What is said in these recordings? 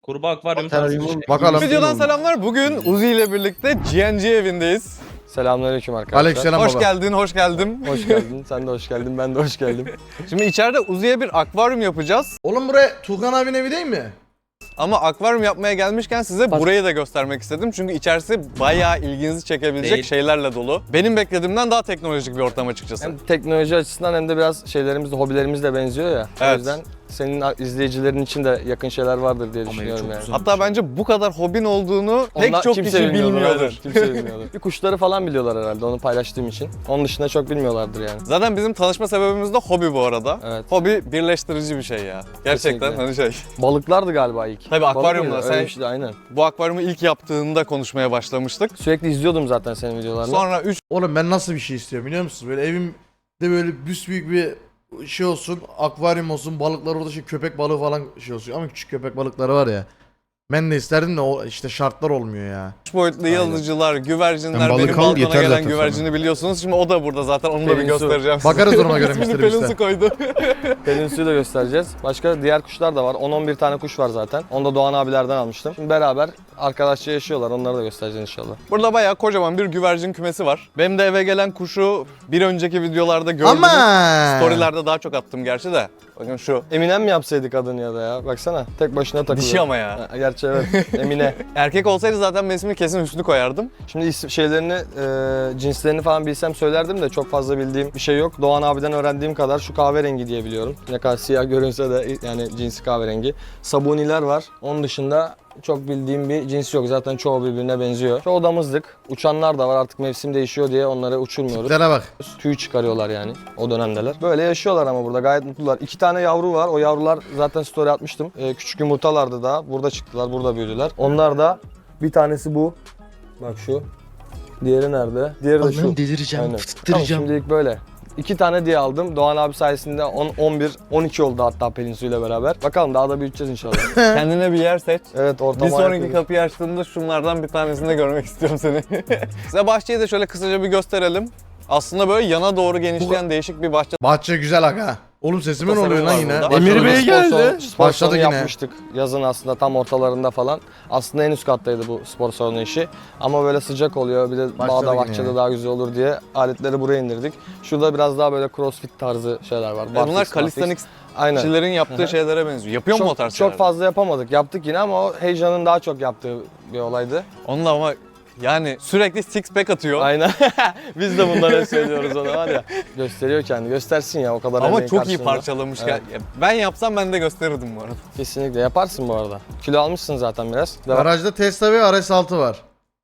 Kurbağa akvaryum tarzı bir şey. Bakalım. Videodan selamlar. Bugün Uzi ile birlikte GNG evindeyiz. Selamünaleyküm arkadaşlar. Aleykümselam Hoş baba. geldin, hoş geldin. Hoş geldin. Sen de hoş geldin. Ben de hoş geldim. Şimdi içeride Uzi'ye bir akvaryum yapacağız. Oğlum buraya Tuğkan abinin evi değil mi? Ama akvaryum yapmaya gelmişken size burayı da göstermek istedim. Çünkü içerisi bayağı ilginizi çekebilecek Değil. şeylerle dolu. Benim beklediğimden daha teknolojik bir ortam açıkçası. Hem teknoloji açısından hem de biraz şeylerimiz de hobilerimiz de benziyor ya. Evet. O yüzden senin izleyicilerin için de yakın şeyler vardır diye düşünüyorum yani. Hatta bence bu kadar hobin olduğunu pek Onlar çok kimse kişi bilmiyordur, bilmiyordur. aynen. Kimse bilmiyordur. Bir kuşları falan biliyorlar herhalde onu paylaştığım için. Onun dışında çok bilmiyorlardır yani. Zaten bizim tanışma sebebimiz de hobi bu arada. Evet. Hobi birleştirici bir şey ya. Gerçekten Kesinlikle. hani şey. Balıklardı galiba ilk. Tabii Balık akvaryumla mıydı? sen- Öyle bir şeydi, aynen. Bu akvaryumu ilk yaptığında konuşmaya başlamıştık. Sürekli izliyordum zaten senin videolarını. Sonra 3 Oğlum ben nasıl bir şey istiyorum biliyor musunuz? Böyle evimde böyle büyük bir şey olsun, akvaryum olsun, balıklar orada şey köpek balığı falan şey olsun. Ama küçük köpek balıkları var ya. Ben de isterdim de o işte şartlar olmuyor ya. boyutlu yalıcılar, güvercinler, Sen balık benim al, balkona yeter gelen zaten güvercini biliyorsunuz. Şimdi o da burada zaten, onu da bir Pelin su. göstereceğim size. Bakarız duruma göre İsmini Mr. Pelin Beast'e. su koydu. Pelin suyu da göstereceğiz. Başka diğer kuşlar da var. 10-11 tane kuş var zaten. Onu da Doğan abilerden almıştım. Şimdi beraber arkadaşça yaşıyorlar. Onları da göstereceğiz inşallah. Burada bayağı kocaman bir güvercin kümesi var. Benim de eve gelen kuşu bir önceki videolarda gördüğünüz Ama storylerde daha çok attım gerçi de. Bakın şu. Eminem mi yapsaydık adını ya da ya? Baksana tek başına takılıyor. Dişi ama ya. Ha, gerçi evet. Emine. Erkek olsaydı zaten ben ismini kesin Hüsnü koyardım. Şimdi şeylerini, cinslerini falan bilsem söylerdim de çok fazla bildiğim bir şey yok. Doğan abiden öğrendiğim kadar şu kahverengi diye biliyorum. Ne kadar siyah görünse de yani cinsi kahverengi. Sabuniler var. Onun dışında çok bildiğim bir cins yok. Zaten çoğu birbirine benziyor. Çoğu damızlık. Uçanlar da var. Artık mevsim değişiyor diye onları uçurmuyoruz. tiplere bak. Tüy çıkarıyorlar yani o dönemdeler. Böyle yaşıyorlar ama burada gayet mutlular. 2 tane yavru var. O yavrular zaten story atmıştım. Küçük yumurtalardı daha. Burada çıktılar, burada büyüdüler. Onlar da bir tanesi bu. Bak şu. Diğeri nerede? Diğeri de şu. Allah'ım delireceğim, Aynen. fıttıracağım. Tamam, şimdilik böyle. 2 tane diye aldım. Doğan abi sayesinde 10, 11, 12 oldu hatta Pelin Su'yla beraber. Bakalım daha da büyüteceğiz inşallah. Kendine bir yer seç. Evet, ortama Bir sonraki yakın. kapıyı açtığımda şunlardan bir tanesini de görmek istiyorum seni. Size bahçeyi de şöyle kısaca bir gösterelim. Aslında böyle yana doğru genişleyen değişik bir bahçe Bahçe güzel aga. Oğlum sesime ne oluyor lan var yine? burada. Başladı Emir mı? Bey geldi. Spor Başladık salonu yine. yapmıştık yazın aslında tam ortalarında falan. Aslında en üst kattaydı bu spor salonu işi. Ama böyle sıcak oluyor. Bir de Başladık bağda yine bahçede ya. daha güzel olur diye aletleri buraya indirdik. Şurada biraz daha böyle crossfit tarzı şeyler var. Bunlar Barfix, calisthenics Aynen. kişilerin yaptığı şeylere benziyor. Yapıyor mu o tarz Çok şeyler? fazla yapamadık. Yaptık yine ama o heyecanın daha çok yaptığı bir olaydı. Onunla ama yani sürekli six pack atıyor. Aynen. Biz de bundan hep söylüyoruz ona var ya. Gösteriyor kendi. Göstersin ya o kadar Ama emeğin çok iyi karşılığında. parçalamış. Evet. Ya ben yapsam ben de gösterirdim bu arada. Kesinlikle yaparsın bu arada. Kilo almışsın zaten biraz. Devam. Garajda Tesla ve RS6 var.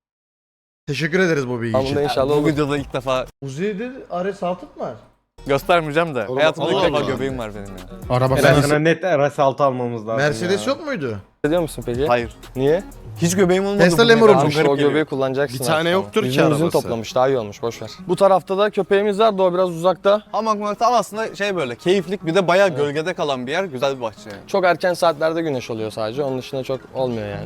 Teşekkür ederiz bu bilgi Tamam, için. bunda inşallah Bu olur. videoda ilk defa Uzi'de RS6 mı var? göstermeyeceğim de. Oğlum, Hayatımda ilk Allah defa Allah. göbeğim var benim ya. Araba Sana sana net RS6 almamız lazım Mercedes ya. yok muydu? Ediyor musun peki? Hayır. Niye? Hiç göbeğim olmadı. Tesla bugüne Lemur kadar. olmuş. Çok garip O geliyor. göbeği kullanacaksın. Bir tane artık yoktur ama. ki Yüzünü arabası. toplamış daha iyi olmuş boş ver. Bu tarafta da köpeğimiz vardı o biraz uzakta. Hamak ama aslında şey böyle keyiflik bir de bayağı gölgede kalan bir yer. Güzel bir bahçe yani. Çok erken saatlerde güneş oluyor sadece. Onun dışında çok olmuyor yani.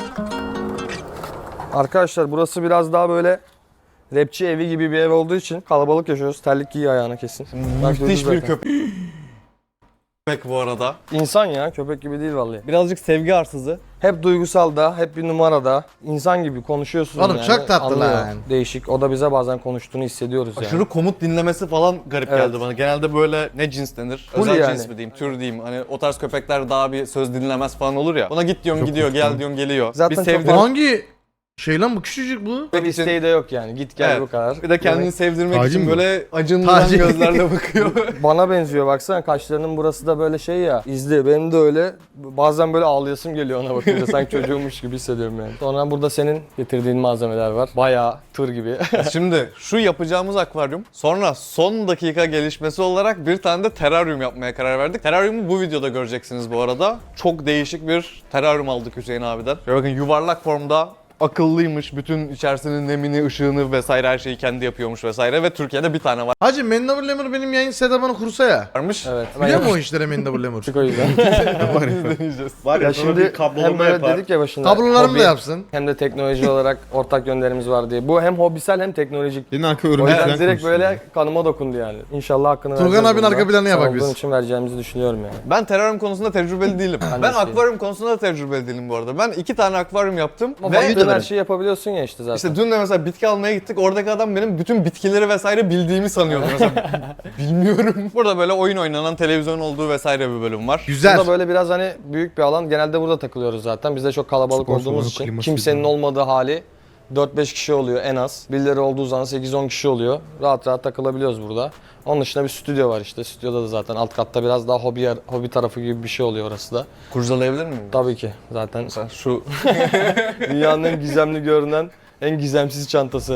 Arkadaşlar burası biraz daha böyle rapçi evi gibi bir ev olduğu için kalabalık yaşıyoruz. Terlik giyiyor ayağına kesin. Bak, Müthiş duydun bir zaten. köpek bu arada. İnsan ya köpek gibi değil vallahi. Birazcık sevgi arsızı. Hep duygusal da, hep bir numarada. İnsan gibi konuşuyorsun Oğlum yani. çok tatlı Anlıyor. lan. Değişik. O da bize bazen konuştuğunu hissediyoruz yani. Aşırı komut dinlemesi falan garip Evet. geldi bana. Genelde böyle ne cins denir? Full Özel yani. cins mi diyeyim, tür diyeyim. Hani o tarz köpekler daha bir söz dinlemez falan olur ya. Buna git diyorsun gidiyor, gel diyorsun geliyor. Zaten bir çok sevdir- Hangi şey lan bu küçücük bu? Pek isteği de yok yani. Git gel Evet. bu kadar. Bir de kendini sevdirmek Tacı için mı? böyle acındıran Tacı. gözlerle bakıyor. Bana benziyor baksana kaşlarının burası da böyle şey ya izli benim de öyle bazen böyle ağlayasım geliyor ona bakınca sanki çocuğummuş gibi hissediyorum yani. Sonra burada senin getirdiğin malzemeler var bayağı tır gibi. Şimdi şu yapacağımız akvaryum sonra son dakika gelişmesi olarak bir tane de teraryum yapmaya karar verdik. Teraryumu bu videoda göreceksiniz bu arada. Çok değişik bir teraryum aldık Hüseyin abiden. Şöyle bakın yuvarlak formda akıllıymış. Bütün içerisinin nemini, ışığını vesaire her şeyi kendi yapıyormuş vesaire ve Türkiye'de bir tane Hacı Mendable Lemur benim yayın setup'ını kursa ya. varmış. Evet. Biliyor musun o işlere Mendable Lemur? O yüzden. Var Ya sonra şimdi bir hem kablolama böyle yapar. dedik ya başında. Kablolarımı da hobi, yapsın. hem de teknoloji olarak ortak yönlerimiz var diye. Bu hem hobisel hem teknolojik. Senin arka O örümcek yüzden falan direkt konuşuyor. böyle kanıma dokundu yani. İnşallah hakkını Turgan vereceğiz abinin bunda. arka planına Sen bak olduğun biz. için vereceğimizi düşünüyorum yani. Ben teraryum konusunda tecrübeli değilim. Ben Ben de akvaryum konusunda da tecrübeli değilim bu arada. Ben 2 tane akvaryum yaptım Ama ve baktığın her şeyi yapabiliyorsun ya işte zaten. işte dün de mesela bitki almaya gittik. Oradaki adam benim bütün bitkileri vesaire bildiğimi sanıyordu mesela. Bilmiyorum. Burada böyle oyun oynanan televizyon olduğu vesaire bir bölüm var. Güzel. Burada böyle biraz hani büyük bir alan. Genelde burada takılıyoruz zaten. Biz de çok kalabalık Spor olduğumuz salonu, için. kliması Kimsenin falan. olmadığı hali 4-5 kişi oluyor en az. Birileri olduğu zaman 8-10 kişi oluyor. Rahat rahat takılabiliyoruz burada. Onun dışında bir stüdyo var işte. Stüdyoda da zaten alt katta biraz daha hobi tarafı gibi bir şey oluyor orası da. Kurcalayabilir miyim? Tabii ki zaten Mesela şu dünyanın en gizemli görünen en gizemsiz çantası.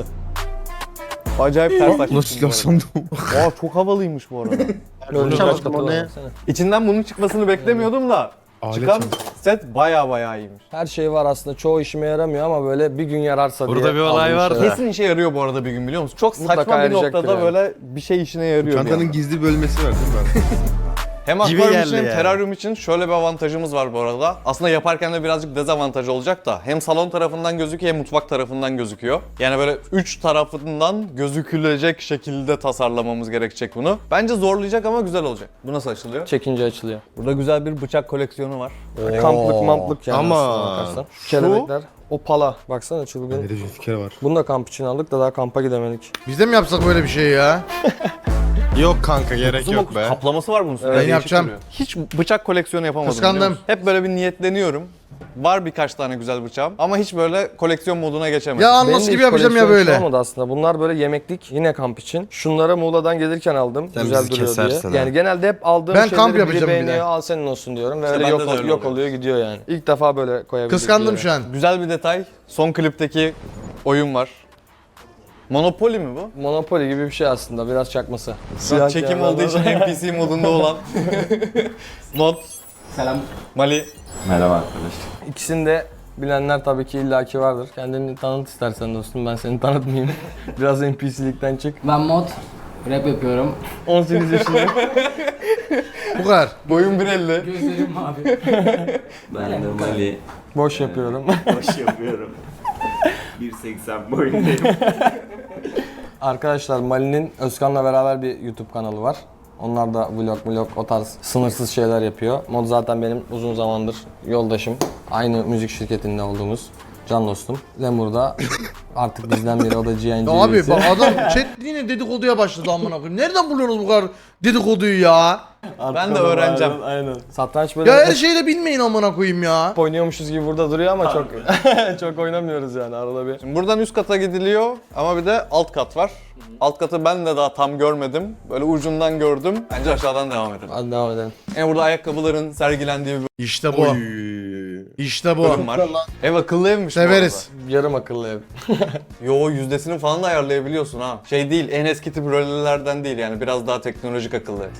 acayip ters açmışım Nasıl silah sandım? Aa çok havalıymış bu arada. Önce Tamam, kaç katı o var ne? baksana. İçinden bunun çıkmasını beklemiyordum da Alet çıkan çantası. set baya iyiymiş. Her şey var aslında. Çoğu işime yaramıyor ama böyle bir gün yararsa Burada diye bir olay aldığım var da. şeyler. Kesin işe yarıyor bu arada bir gün biliyor musun? Çok Mutlaka saçma bir yarayacaktır noktada yani. böyle bir şey işine yarıyor. bir Çantanın anda. gizli bölmesi var değil mi? Hem Gibi akvaryum geldi için hem yani. teraryum için şöyle bir avantajımız var bu arada. Aslında yaparken de birazcık dezavantaj olacak da hem salon tarafından gözüküyor hem mutfak tarafından gözüküyor. Yani böyle 3 tarafından gözükülecek şekilde tasarlamamız gerekecek bunu. Bence zorlayacak ama güzel olacak. Bu nasıl açılıyor? Çekince açılıyor. Burada güzel bir bıçak koleksiyonu var. Kamplık mamplık yani Ama aslına bakarsan. Şu kelebekler. O pala. Baksana çılgın. Bende de Zülfikar var. Bunu da kamp için aldık da daha kampa gidemedik. Biz de mi yapsak böyle bir şey ya? Yok kanka gerek yok be. Kaplaması var bunun üstünde. Evet, Değişik yapacağım. duruyor. Hiç bıçak koleksiyonu yapamadım. Kıskandım. biliyor musun? Hep böyle bir niyetleniyorum. Var birkaç tane güzel bıçağım ama hiç böyle koleksiyon moduna geçemedim. Ya Benim anlas de gibi hiç yapacağım ya koleksiyon böyle. olmadı aslında. Bunlar böyle yemeklik yine kamp için. Şunları Muğla'dan gelirken aldım. Sen Güzel bizi duruyor kesersin diye. ha. Yani genelde hep aldığım Ben şeyleri kamp biri yapacağım bir de. beğeniyor, al senin olsun diyorum. Ve İşte öyle bende yok, de öyle yok oluyor. oluyor gidiyor yani. İlk defa böyle koyabildik. Kıskandım bir şu yere. an. Güzel bir detay. Son klipteki oyun var. Monopoly mi bu? Monopoly gibi bir şey aslında. Biraz çakması. Siyah çekim olduğu için NPC modunda olan mod. Selam. Mali. Merhaba arkadaşlar. İkisini de bilenler tabii ki illaki vardır. Kendini tanıt istersen dostum. Ben seni tanıtmayayım. Biraz NPC'likten çık. Ben mod rap yapıyorum. 18 yaşındayım. Bu kadar. Boyun 1.50. Gözlerim mavi. Ben de Mali Boş yapıyorum. boş yapıyorum. 1.80 boyundayım. Arkadaşlar Mali'nin Özkan'la beraber bir YouTube kanalı var. Onlar da vlog o tarz sınırsız şeyler yapıyor. Mod zaten benim uzun zamandır yoldaşım. Aynı müzik şirketinde olduğumuz can dostum. Lemur da artık bizden biri, o da GNG Ya abi üyesi. bak adam chat yine dedikoduya başladı amına koyayım. Nereden buluyorsunuz bu kadar dedikoduyu ya? Ben de öğreneceğim. Aynen. Satranç böyle Ya her şeyi de bilmeyin amına koyayım ya. oynuyormuşuz gibi burada duruyor ama çok çok oynamıyoruz yani arada bir. Şimdi buradan üst kata gidiliyor ama bir de alt kat var. Alt katı ben de daha tam görmedim. Böyle ucundan gördüm. Bence aşağıdan devam edelim. Hadi devam edelim. Yani burada ayakkabıların sergilendiği bir İşte bu. İşte bu. bölüm var. Ev akıllı evmiş bu Severiz. Yarım akıllı ev. arada. Yo yüzdesini falan da ayarlayabiliyorsun ha. Şey değil, en eski tip rölelerden değil yani biraz daha teknolojik akıllı ev.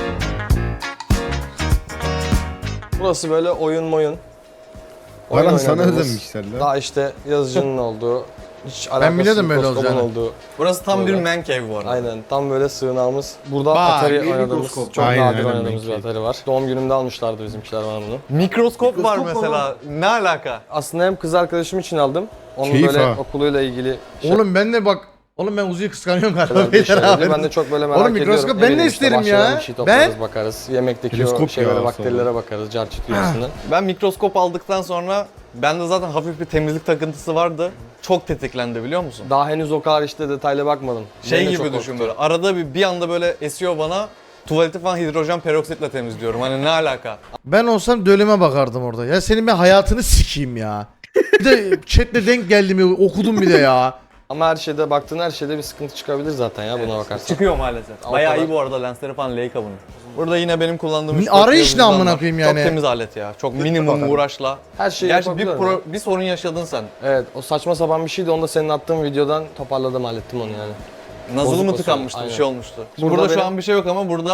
Burası böyle oyun. Baran sana oynadığımız, özenmişler lan. daha işte yazıcının olduğu, hiç alakasız biliyordum böyle mikroskopun olacağını. olduğu. Burası tam bir Böyle. man cave bu arada. Aynen tam böyle sığınağımız. Burada Bak, Atari bir oynadığımız, mikroskop. çok Aynen, nadir aynen, oynadığımız bir belki. Atari var. Doğum günümde almışlardı bizimkiler bana bunu. Mikroskop var mesela. Ne alaka? Aslında hem kız arkadaşım için aldım. Onun Keyif böyle ha. okuluyla ilgili Oğlum ben de bak. Oğlum ben Uzi'yi kıskanıyorum galiba. şeyler, bir Beyler şeyler. abi. Ben de çok böyle merak Oğlum ediyorum. mikroskop Ne ben de bileyim işte isterim ya. bahçeden bir şey toplarız, bakarız. Yemekteki Teleskop o şeylere, ya bakterilere bakarız. Carçıt gibisinden. Ben mikroskop aldıktan sonra bende zaten hafif bir temizlik takıntısı vardı. Çok tetiklendi biliyor musun? Daha henüz o kadar işte detaylı bakmadım. Şey Beni de gibi çok düşün korktu. böyle. Arada bir anda böyle esiyor bana. Tuvaleti falan hidrojen peroksitle temizliyorum. Hani ne alaka? Ben olsam döleme bakardım orada. Ya senin ben hayatını sikeyim ya. Bir de chatle denk geldim okudum bir de ya. Ama her şeyde baktığın her şeyde bir sıkıntı çıkabilir zaten ya buna bakarsan. Çıkıyor maalesef. Ama Bayağı kadar- iyi bu arada lensleri falan Leica bunun. Burada yine benim kullandığım Arayış ne yazıcıdan amına var. koyayım yani? Çok temiz alet ya. Çok minimum uğraşla. Her şeyi Gerçi yapabiliyorum ya. bir sorun yaşadın sen. Evet o saçma sapan bir şeydi, onu da senin attığın videodan toparladım, hallettim onu yani. Nazılı Bozuk mı o tıkanmıştı, sorun, bir şey olmuştu. Burada Burada şu benim- an bir şey yok ama burada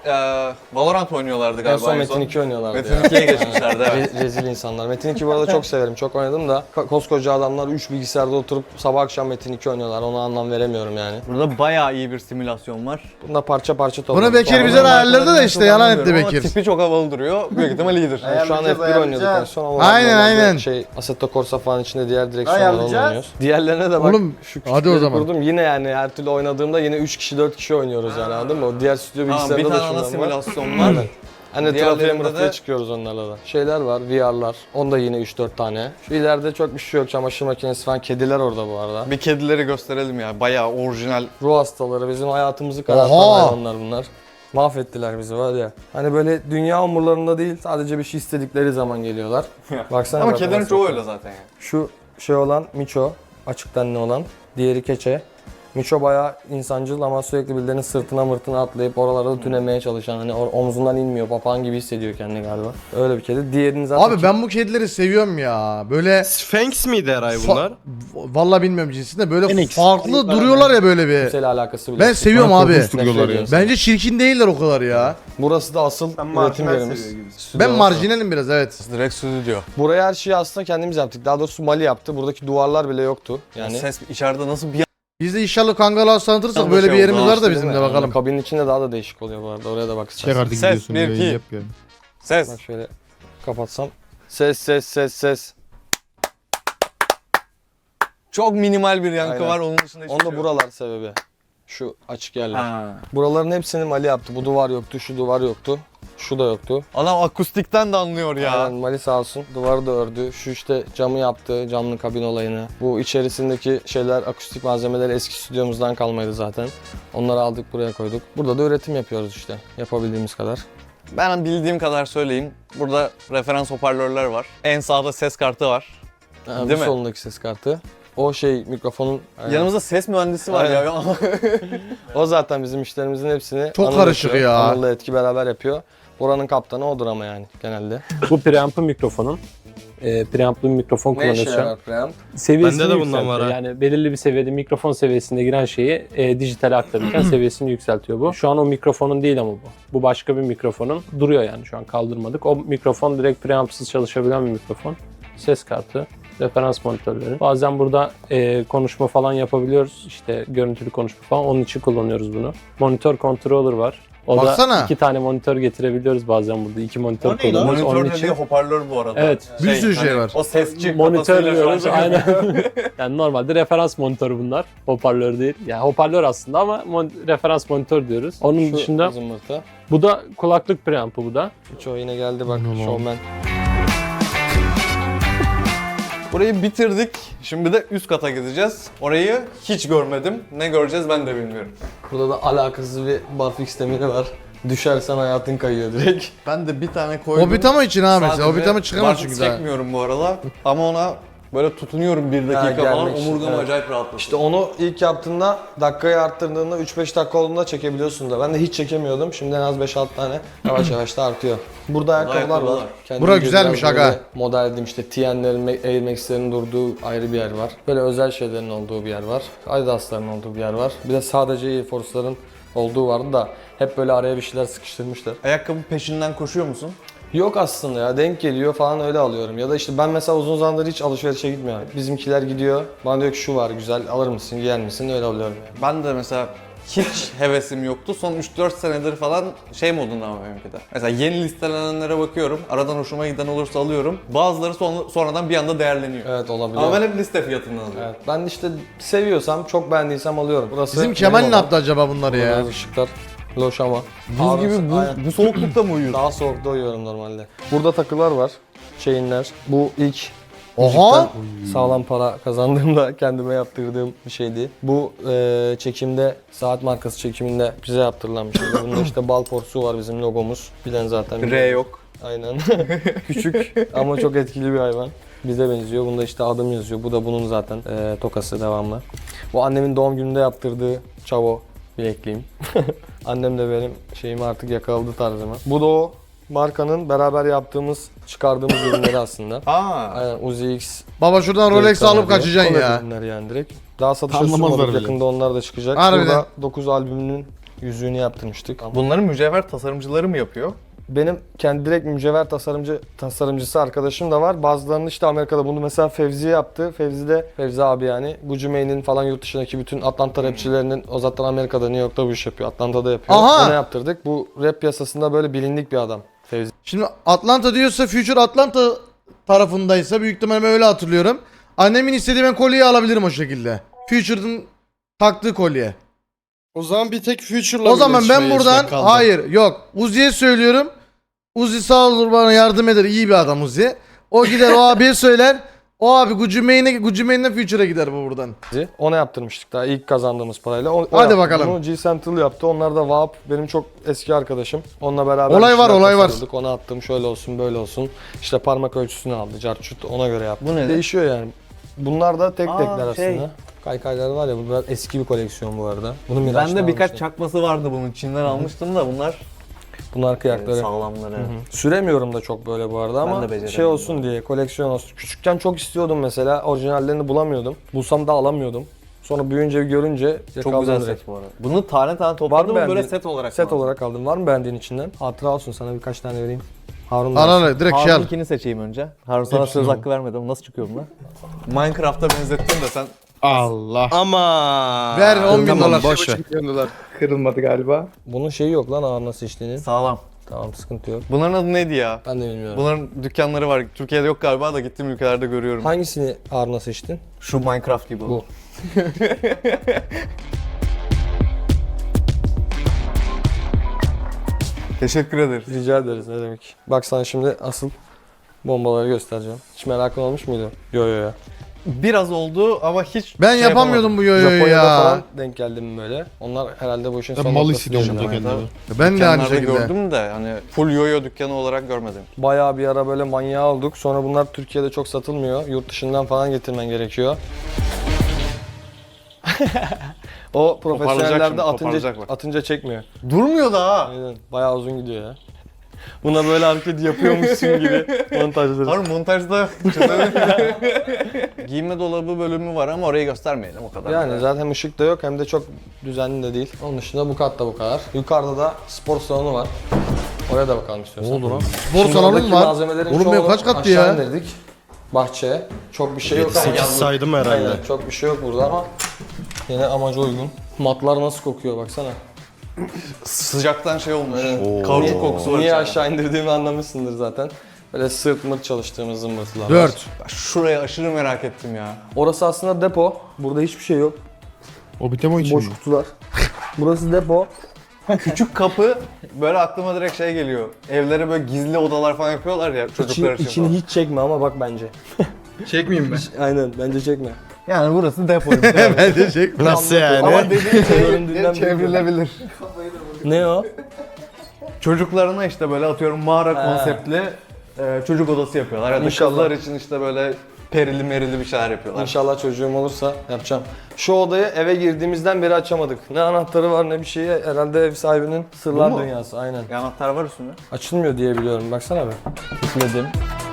Valorant oynuyorlardı En galiba. son Metin 2 oynuyorlardı. Metin ya. 2'ye geçmişlerdi evet. Rezil insanlar. Metin 2 bu arada çok severim. Çok oynadım da koskoca adamlar 3 bilgisayarda oturup sabah akşam Metin 2 oynuyorlar. Ona anlam veremiyorum yani. Burada bayağı iyi bir simülasyon var. Bunda parça parça topladım. Bunu Bekir bize de ayarladı da işte yalan etti Bekir. Tipi çok havalı duruyor. Büyük ihtimal iyidir. Yani şu an F1 oynuyorduk en son ama Aynen, normalde aynen. Assetto Corsa falan içinde diğer direksiyonlar oynuyoruz. Diğerlerine de bak. Oğlum, şu hadi o küçükleri zaman. kurdum. Yine yani her türlü oynadığımda yine 3 kişi 4 kişi oynuyoruz yani anladın mı? O diğer stüdyo Tamam, bir bilgisayarında da tane ana şundan var. simülasyon var. Aynen. Hani trafiğe Diğerlerinde mırafiğe de- çıkıyoruz onlarla da. Şeyler var, VR'lar. Onda yine 3-4 tane. Şu ileride çok bir şey yok. Çamaşır makinesi falan. Kediler orada bu arada. Bir kedileri gösterelim ya. Bayağı orijinal. Ruh hastaları. Bizim hayatımızı karartan Oha! hayvanlar bunlar. Mahvettiler bizi var ya. Hani böyle dünya umurlarında değil, sadece bir şey istedikleri zaman geliyorlar. Baksana. Ama bak, kedilerin nasıl çoğu bakıyor. öyle zaten yani. Şu şey olan Miço, açık tenli olan. Diğeri Keçe. Miço bayağı insancıl ama sürekli birilerinin sırtına mırtına atlayıp oralarda tünemeye çalışan, hani omzundan inmiyor, papağan gibi hissediyor kendini galiba. Öyle bir kedi. Diğerini zaten Abi ben bu kedileri seviyorum ya. Böyle Sphinx miydi Eray bunlar? vallahi bilmiyorum cinsinde böyle Phoenix. farklı duruyorlar ya böyle bir. kimseyle alakası bile Ben yok. seviyorum Bana abi. korkunç duruyorlar ya. Bence çirkin değiller o kadar ya. Burası da asıl üretim marjinal yerimiz. seviyor gibisin. Stüdyo Ben orası. marjinalim biraz evet. Direkt stüdyo. Buraya her şeyi aslında kendimiz yaptık. Daha doğrusu Mali yaptı. Buradaki duvarlar bile yoktu. Yani Ses içeride nasıl bir Biz de inşallah Kangal tanıtırsak Tam da böyle şey bir yerimiz oldu, var da Değil bizim mi? de bakalım. Yani kabinin içinde daha da değişik oluyor bu arada. Oraya da bak Çek istersen. artık Ses, gidiyorsun. bir, Yayın iki. yap yani. ses. Bak şöyle kapatsam. Ses ses ses ses. Çok minimal bir yankı Aynen. var. Onun dışında hiçbir şey Onda yok. buralar sebebi. Şu açık yerler. Ha. Buraların hepsini Mali yaptı. Bu duvar yoktu, şu duvar yoktu. Şu da yoktu. Adam akustikten de anlıyor ya. Aynen, Mali sağ olsun. Duvarı da ördü. Şu işte camı yaptı, camlı kabin olayını. Bu içerisindeki şeyler, akustik malzemeler eski stüdyomuzdan kalmaydı zaten. Onları aldık buraya koyduk. Burada da üretim yapıyoruz işte. Yapabildiğimiz kadar. Ben bildiğim kadar söyleyeyim. Burada referans hoparlörler var. En sağda ses kartı var. Yani Değil bu mi? solundaki ses kartı. O şey mikrofonun... Yanımızda ses mühendisi var ya. O zaten bizim işlerimizin hepsini Çok Anıl karışık yapıyor. ya. Anıl'la Etki beraber yapıyor. Buranın kaptanı odur ama yani genelde. Bu preamp'ın mikrofonun. Preamp'lı bir mikrofon kullanıyoruz şu an. preamp? Seviyesini Bende de bundan yükseltiyor. var ha. Yani belirli bir seviyede mikrofon seviyesinde giren şeyi dijitale aktarırken seviyesini yükseltiyor bu. Şu an o mikrofonun değil ama bu. Bu başka bir mikrofonun. Duruyor yani şu an kaldırmadık. O mikrofon direkt preamp'sız çalışabilen bir mikrofon. Ses kartı, referans monitörleri. Bazen burada konuşma falan yapabiliyoruz. İşte görüntülü konuşma falan. Onun için kullanıyoruz bunu. Monitör controller var. O Baksana. da 2 tane monitör getirebiliyoruz bazen burada. 2 monitör kullanıyoruz. Onun Monitör için dediği hoparlör bu arada. Evet. Bir sürü şey var. O sesçi monitör kafasıyla diyoruz şu an- aynen. Yani normalde referans monitörü bunlar. Hoparlör değil. Yani hoparlör aslında ama referans monitör diyoruz. Onun Şu dışında zımbırtı. bu da kulaklık preampı bu da. Çoğu yine geldi bak showman. Burayı bitirdik. Şimdi de üst kata gideceğiz. Orayı hiç görmedim. Ne göreceğiz ben de bilmiyorum. Burada da alakasız bir barfix demiri var. Düşersen hayatın kayıyor direkt. Ben de bir tane koydum. Hobbitama için ha mesela. Sadece Hobbitama çıkamaz barfiks çünkü daha. çekmiyorum bu arada. Ama ona böyle tutunuyorum bir dakika gelmek falan. için, Omurgam evet. acayip rahatladı. İşte onu ilk yaptığında dakikayı arttırdığında 3-5 dakika olduğunda çekebiliyorsun da. Ben de hiç çekemiyordum. Şimdi en az 5-6 tane yavaş yavaş da artıyor. Burada ayakkabılar ayakkabılar. var. Kendi Bura biraz güzelmiş böyle aga. Model edildim işte TN'lerin, Air Max'lerin durduğu ayrı bir yer var. Böyle özel şeylerin olduğu bir yer var. Adidas'ların olduğu bir yer var. Bir de sadece Air Force'ların olduğu vardı da hep böyle araya bir şeyler sıkıştırmışlar. Ayakkabı peşinden koşuyor musun? Yok aslında ya, denk geliyor falan öyle alıyorum. Ya da işte ben mesela uzun zamandır hiç alışverişe gitmiyorum. Bizimkiler gidiyor, bana diyor ki şu var güzel, alır mısın, giyer misin, öyle alıyorum yani. Ben de mesela hiç hevesim yoktu. Son 3-4 senedir falan şey modunda ama benimki de. Mesela yeni listelenenlere bakıyorum. Aradan hoşuma giden olursa alıyorum. Bazıları sonradan bir anda değerleniyor. Evet olabiliyor. Ama ben hep liste fiyatından alıyorum. Evet, ben işte seviyorsam, çok beğendiysem alıyorum. Burası Bizim benim Kemal ne odam. yaptı acaba bunları ya? Burada ışıklar loş ama. Buz gibi bu soğuklukta mı uyuyorsun? Daha soğukta uyuyorum normalde. Burada takılar var, chainler. Bu ilk Oha! müzikten sağlam para kazandığımda kendime yaptırdığım bir şeydi. Bu çekimde, saat markası çekiminde bize yaptırılan bir şeydi. Bunda işte bal porsuğu var, bizim logomuz. Bilen zaten. R yok. Aynen. Küçük ama çok etkili bir hayvan. Bize benziyor. Bunda işte adım yazıyor. Bu da bunun zaten tokası devamlı. Bu annemin doğum gününde yaptırdığı çavo bilekliğim. Annem de benim şeyimi artık yakaladı tarzıma. Bu da o markanın beraber yaptığımız, çıkardığımız ürünleri aslında. Aa. Aynen Uzi X. Baba şuradan Rolex alıp kaçacaksın Collab ya. ürünleri yani direkt. Daha satışa Anlamazlar sunmadık. bile. Yakında onlar da çıkacak. Harbiden. Burada 9 albümünün Yüzüğünü yaptırmıştık. Bunların mücevher tasarımcıları mı yapıyor? Benim kendi direkt mücevher tasarımcısı arkadaşım da var. Bazılarını işte Amerika'da bunu mesela Fevzi yaptı. Fevzi abi yani. Gucci Mane'in falan yurt dışındaki bütün Atlanta rapçilerinin o zaten Amerika'da New York'ta bu iş yapıyor. Atlanta'da yapıyor. Aha! Ona yaptırdık. Bu rap piyasasında böyle bilindik bir adam Fevzi. Şimdi Atlanta diyorsa Future Atlanta tarafındaysa büyük ihtimalle ben öyle hatırlıyorum. Annemin istediği ben kolyeyi alabilirim o şekilde. Future'ın taktığı kolye. O zaman bir tek Future'la O zaman ben buradan hayır yok Uzi'ye söylüyorum. Uzi sağ olur bana yardım eder, iyi bir adam Uzi. O gider o abiye söyler. O abi Gucci Mane'den Future'a gider bu buradan. Ona yaptırmıştık daha ilk kazandığımız parayla. O Hadi yaptı. bakalım. Bunu G Central yaptı. Onlar da Vahap benim çok eski arkadaşım. Onunla beraber Olay bir var, şeyler olay var. tasarladık. Ona attım şöyle olsun böyle olsun. İşte parmak ölçüsünü aldı. Carçut ona göre yaptı. Bu ne? Değişiyor yani. Bunlar da tek Aa, tekler şey. aslında. Kaykaylar var ya bu biraz eski bir koleksiyon bu arada. Bunu Bende Miraç'tan birkaç almıştım. çakması vardı bunun. Çin'den almıştım da bunlar Bunlar kıyakları. sağlamları. Süremiyorum da çok böyle bu arada Ben de ama beceremiyorum. şey olsun diye, koleksiyon olsun. Küçükken çok istiyordum mesela, orijinallerini bulamıyordum. Bulsam da alamıyordum. Sonra büyüyünce görünce Çok yakaladım güzel direkt. set bu arada. Bunu tane tane Var topladım mı mı böyle beğendiğin? set olarak Set mı? olarak aldım. Var mı beğendiğin içinden? Hatıra olsun, sana birkaç tane vereyim. Harun da Ana alsın. ana direkt şey al. Harun'unkini seçeyim önce. Harun sana Hepsini söz mi? hakkı vermedim. Nasıl çıkıyor bunlar? Minecraft'a benzettim de sen Allah. Ama. Ver 10 bin Tamam, dolar. boş ver. Kırılmadı galiba. Bunun şeyi yok lan ağır nasıl içtiğinin. sağlam. Tamam sıkıntı yok. Bunların adı neydi ya? Ben de bilmiyorum. Bunların dükkanları var. Türkiye'de yok galiba da gittiğim ülkelerde görüyorum. Hangisini ağır nasıl içtin? Şu Minecraft gibi. Bu. Teşekkür ederiz. Rica ederiz ne demek. Bak sana şimdi asıl bombaları göstereceğim. Hiç merakın olmuş muydu? Yo yo yo. Biraz oldu ama hiç Ben şey yapamıyordum bu yoyoyu Japonya'da ya. falan denk geldim böyle. Onlar herhalde bu işin Ben son mal noktası hissediyorum diyorum burada ben. kendimi. Ben de aynı Dükkanlarda şekilde. gördüm de hani full yoyo dükkanı olarak görmedim. Bayağı bir ara böyle manyağı olduk. Sonra bunlar Türkiye'de çok satılmıyor. Yurt dışından falan getirmen gerekiyor. O profesyonellerde şimdi, toparlayacak bak. atınca çekmiyor. Durmuyor da ha. Aynen. Bayağı uzun gidiyor ya. Buna böyle hareket yapıyormuşsun gibi montajları. Harun montajda giyinme dolabı bölümü var ama orayı göstermeyelim o kadar. Yani zaten hem ışık da yok hem de çok düzenli de değil. Onun dışında bu katta bu kadar. Yukarıda da spor salonu var. Oraya da bakalım istiyorsan. Oldu lan. Spor Şimdi salonu oradaki mu var? malzemelerin Oğlum benim çoğunu kaç kattı aşağı ya? indirdik. Bahçeye. Çok bir şey yok ama 8 saydım herhalde. Aynen, çok bir şey yok burada ama yine amaca uygun. Matlar nasıl kokuyor baksana. Sıcaktan şey olmuş. Evet. Kauçuk kokusu var. Niye içeride. aşağı indirdiğimi anlamışsındır zaten. Böyle sırt mırt çalıştığımız zımbırtılar var. 4. Şurayı aşırı merak ettim ya. Orası aslında depo. Burada hiçbir şey yok. O bitemo için Boş mi? kutular. Burası depo. Küçük kapı böyle aklıma direkt şey geliyor. Evlere böyle gizli odalar falan yapıyorlar ya çocuklar için İçini falan. hiç çekme ama bak bence. Çekmeyeyim mi? Aynen bence çekme. Yani burası depoymuş. Ben de çek. Nasıl yani? Ama dediğin Göründüğünden şey çevrilebilir. Ne o? Çocuklarına işte böyle atıyorum mağara konseptli çocuk odası yapıyorlar. Ya da İnşallah. kızlar için işte böyle perili merili bir şeyler yapıyorlar. İnşallah çocuğum olursa yapacağım. Şu odayı eve girdiğimizden beri açamadık. Ne anahtarı var ne bir şeyi. Herhalde ev sahibinin sırlar Bu mu? dünyası. Aynen. Anahtar var üstünde. Açılmıyor diye biliyorum. Baksana be. Tıkladım.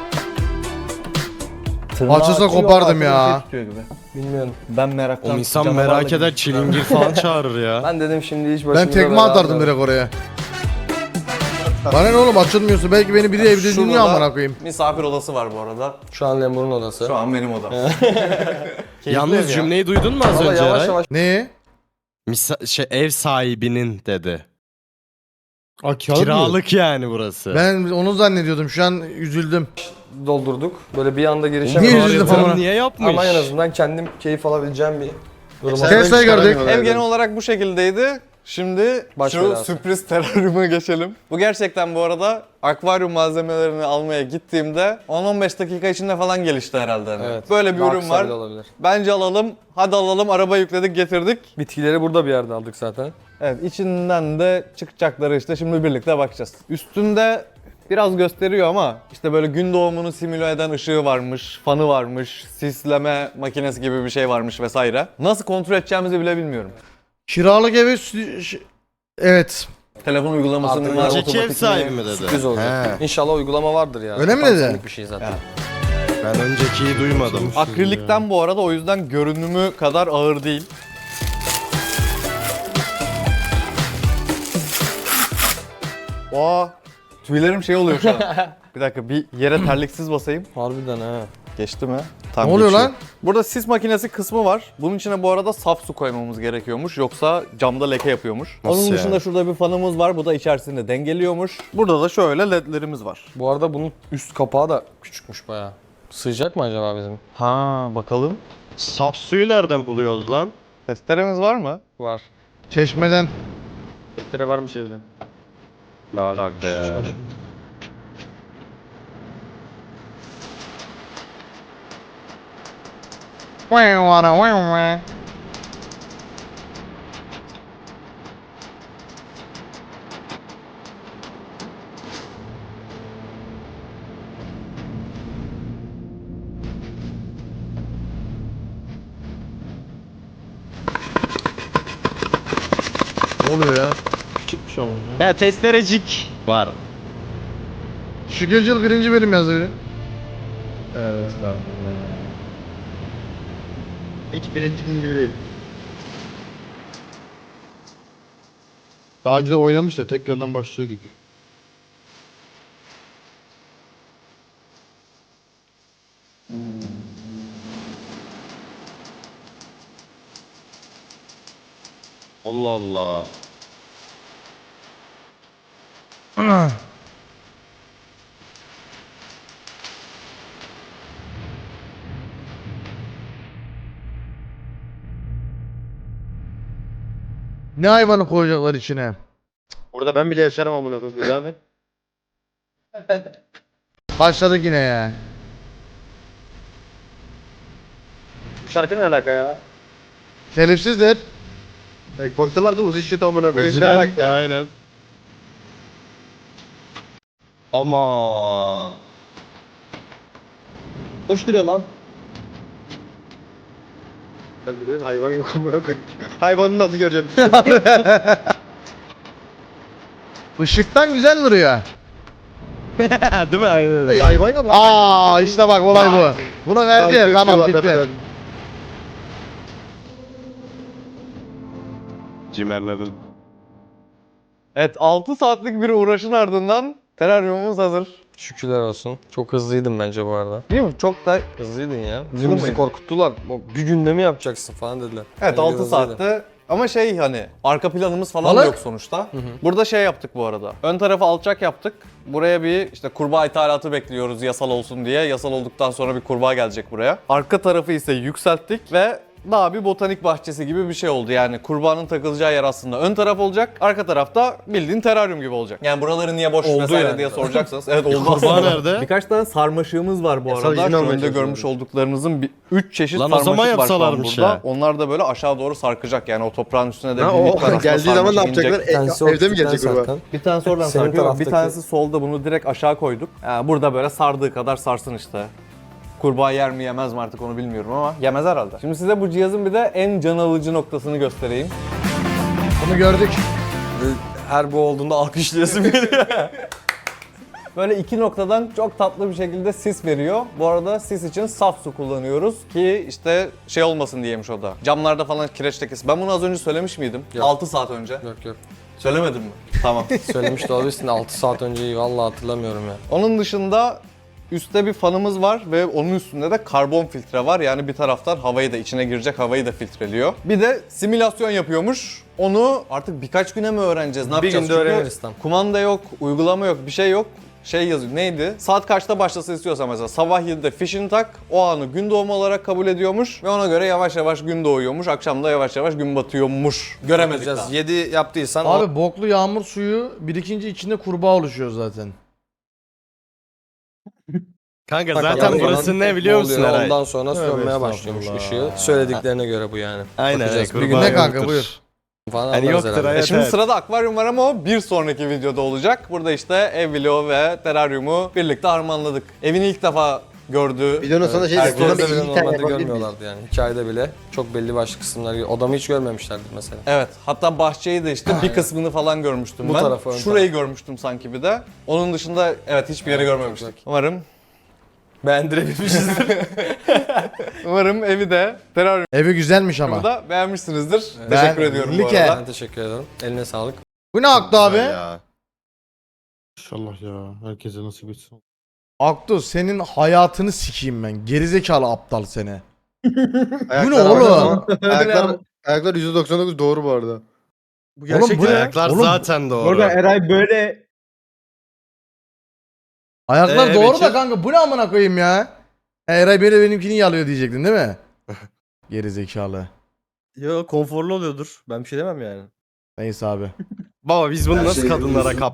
Açılsa kopardım ya. Bilmiyorum. Ben meraktan. O insan canavarla merak gibi. eder, çilingir falan çağırır ya. Ben dedim şimdi hiç başımıza Ben tekme bela atardım almayalım. direkt oraya. Bana ne oğlum açılmıyorsa belki beni biri evde Şurada dinliyor da amına koyayım. Misafir odası var bu arada. Şu an Lemur'un odası. Şu an benim odam. Yalnız cümleyi duydun mu az Ama önce yavaş Eray? yavaş Ne? Ev sahibinin dedi. Aa, kağıt mı? Kiralık yani burası. Ben onu zannediyordum. Şu an üzüldüm. doldurduk. Böyle bir anda Niye girişemedim. üzüldün Yatırım falan? niye yapmış? Ama en azından kendim keyif alabileceğim bir durum. Tesla'yı gördük. Ev genel olarak bu şekildeydi. Şimdi Baş şu belası. sürpriz teraryuma geçelim. Bu gerçekten bu arada akvaryum malzemelerini almaya gittiğimde 10-15 dakika içinde falan gelişti herhalde. Hani. Evet. Böyle bir Daha ürün kısa var. bile olabilir. Bence alalım. Hadi alalım. Araba yükledik, getirdik. Bitkileri burada bir yerde aldık zaten. Evet, içinden de çıkacakları işte şimdi birlikte bakacağız. Üstünde biraz gösteriyor ama işte böyle gün doğumunu simüle eden ışığı varmış, fanı varmış, sisleme makinesi gibi bir şey varmış vesaire. Nasıl kontrol edeceğimizi bile bilmiyorum. Kiralık eve evet. Telefon uygulaması mı Artık var, önceki ev otomatik sahibi mi? mi dedi? Sürpriz olacak. He. İnşallah uygulama vardır ya. Öyle mi dedi? Fantastik bir şey zaten. Ya. Ben öncekiyi duymadım. Akrilikten bu arada o yüzden görünümü kadar ağır değil. Aa, tüylerim şey oluyor şu an. Bir dakika bir yere terliksiz basayım. Harbiden ha. Geçti mi? Ne Tam oluyor geçiyor. lan? Burada sis makinesi kısmı var. Bunun içine bu arada saf su koymamız gerekiyormuş. Yoksa camda leke yapıyormuş. Nasıl Onun yani? dışında şurada bir fanımız var. Bu da içerisinde dengeliyormuş. Burada da şöyle ledlerimiz var. Bu arada bunun üst kapağı da küçükmüş bayağı. Sığacak mı acaba bizim? Ha, bakalım. Saf suyu nereden buluyoruz lan? Testeremiz var mı? Var. Çeşmeden. Testere var mı şeyden? Ne alaka ya? Ne oluyor ya? Çıkmış ama. Ya testerecik var. Şükürcül birinci bölüm yazıyor. Evet tamam. Hiç birinci gibi değil. Daha önce de oynamış da tekrardan başlıyor gibi. Allah Allah. Ne hayvanı koyacaklar içine? Orada ben bile yaşarım amına koyayım. Devam et. Başladık yine ya. Bu şarkı ne alaka ya? Telifsizdir. Korktular da uzun shit amına koyayım. Özür Ne alaka ya? Aynen. Ama Hoş duruyor lan. Ben bir de hayvan yok amına koyayım. Hayvanın nasıl göreceğim? Işıktan güzel duruyor. değil mi? Aynen öyle. Hayvan yok lan. Aa işte bak olay bu. Buna verdi tamam bitti. Cimerlerin. Evet, 6 saatlik bir uğraşın ardından teraryumumuz hazır. Şükürler olsun. Çok hızlıydın bence bu arada. Değil mi? Çok da Hızlıydın ya. Bizim bizi korkuttular. Bir günde mi yapacaksın falan dediler. Evet, Bence 6 hızlıydı. saatte ama şey hani arka planımız falan Balık. yok sonuçta. Burada şey yaptık bu arada. Ön tarafı alçak yaptık. Buraya bir işte kurbağa ithalatı bekliyoruz yasal olsun diye. Yasal olduktan sonra bir kurbağa gelecek buraya. Arka tarafı ise yükselttik ve daha bir botanik bahçesi gibi bir şey oldu. Yani kurbağanın takılacağı yer aslında ön taraf olacak. Arka tarafta bildiğin teraryum gibi olacak. Yani buraları niye boş Oldu vesaire yani. diye soracaksanız. Evet oldu Kurbağa aslında. nerede? Birkaç tane sarmaşığımız var bu Yasal arada. izin Şu almaya önde çalışıyorum. görmüş olduklarınızın 3 çeşit Lan o sarmaşık zaman var şu an yapsalarmış burada. ya. Onlar da böyle aşağı doğru sarkacak. Yani o toprağın üstüne de Ha, bir o miktar aslında geldiği zaman ne sarmaşık inecek. yapacaklar? Bir tanesi Evde mi optikten gelecek kurbağa? Serkan. Bir tanesi oradan Senin sarkıyor. Bir taraftaki- tanesi solda, bunu direkt aşağı koyduk. Yani burada böyle sardığı kadar sarsın işte. Kurbağa yer mi yemez mi artık onu bilmiyorum ama yemez herhalde. Şimdi size bu cihazın bir de en can alıcı noktasını göstereyim. Bunu gördük. Her bu olduğunda alkışlayasım geliyor. Böyle iki noktadan çok tatlı bir şekilde sis veriyor. Bu arada sis için saf su kullanıyoruz ki işte şey olmasın diyemiş o da. Camlarda falan kireç lekesi. Ben bunu az önce söylemiş miydim? Yok. 6 saat önce. Yok. Söylemedim mi? Tamam. Söylemiş de olabilirsin 6 saat önceyi vallahi hatırlamıyorum ya. Onun dışında üstte bir fanımız var ve onun üstünde de karbon filtre var. Yani bir taraftan havayı da içine girecek havayı da filtreliyor. Bir de simülasyon yapıyormuş. Onu artık birkaç güne mi öğreneceğiz? Ne Bir yapacağız? günde Çünkü öğreniriz tam. kumanda yok, uygulama yok, bir şey yok. Şey yazıyor. Neydi? Saat kaçta başlasın istiyorsa mesela sabah 7'de fişini tak. O anı gün doğumu olarak kabul ediyormuş ve ona göre yavaş yavaş gün doğuyormuş. Akşam da yavaş yavaş gün batıyormuş. Göremedik daha. 7 yaptıysan Abi boklu yağmur suyu birikince içinde kurbağa oluşuyor zaten. Kanka Bakalım zaten o zaman burası ne biliyor musun oluyor. Eray? Ondan sonra Tövbe sönmeye başlıyormuş estağfurullah. ışığı. Söylediklerine göre bu yani. Aynen. Bakacağız. Bir kurbağa gün Ne kanka, yoktur. buyur. Falan Hani anlarız yoktur, herhalde. evet. Şimdi sırada akvaryum var ama o bir sonraki videoda olacak. Burada işte ev vlogu ve teraryumu birlikte harmanladık. Evini ilk defa gördü. Videonun sonunda şey Herkes diyor. de Sonra bile bir iyi tane normalde yapabilir miyiz? görmüyorlardı yani. Hikayede bile çok belli başlı kısımlar. Odamı hiç görmemişlerdi mesela. Evet, hatta bahçeyi de işte bir kısmını falan görmüştüm Bu ben. tarafı, ön Şurayı görmüştüm sanki bir de. Onun dışında evet hiçbir yeri görmemiştik. Umarım Beğendirebilmişizdir. umarım evi de teraryumu Evi güzelmiş ama. da beğenmişsinizdir. Ben- Teşekkür ediyorum bu Like. arada. Ben teşekkür ederim. Eline sağlık. Bu ne aktı abi? Ya. İnşallah ya. Herkese nasip etsin. Aktu senin hayatını sikeyim ben. Gerizekalı aptal seni. Bu ne Ayaklar oğlum? ama- ayaklar %99 doğru bu arada. Bu Oğlum gerçek bu ne? ayaklar Oğlum, zaten doğru. Orada Eray böyle Ayaklar doğru da Bekir. kanka bu ne amına koyayım ya? Eray böyle benimkini yalıyor diyecektin değil mi? Gerizekalı. Yo konforlu oluyordur. Ben bir şey demem yani. Neyse abi. Baba biz bunu Her nasıl şeyi kadınlara biliyorsun. kap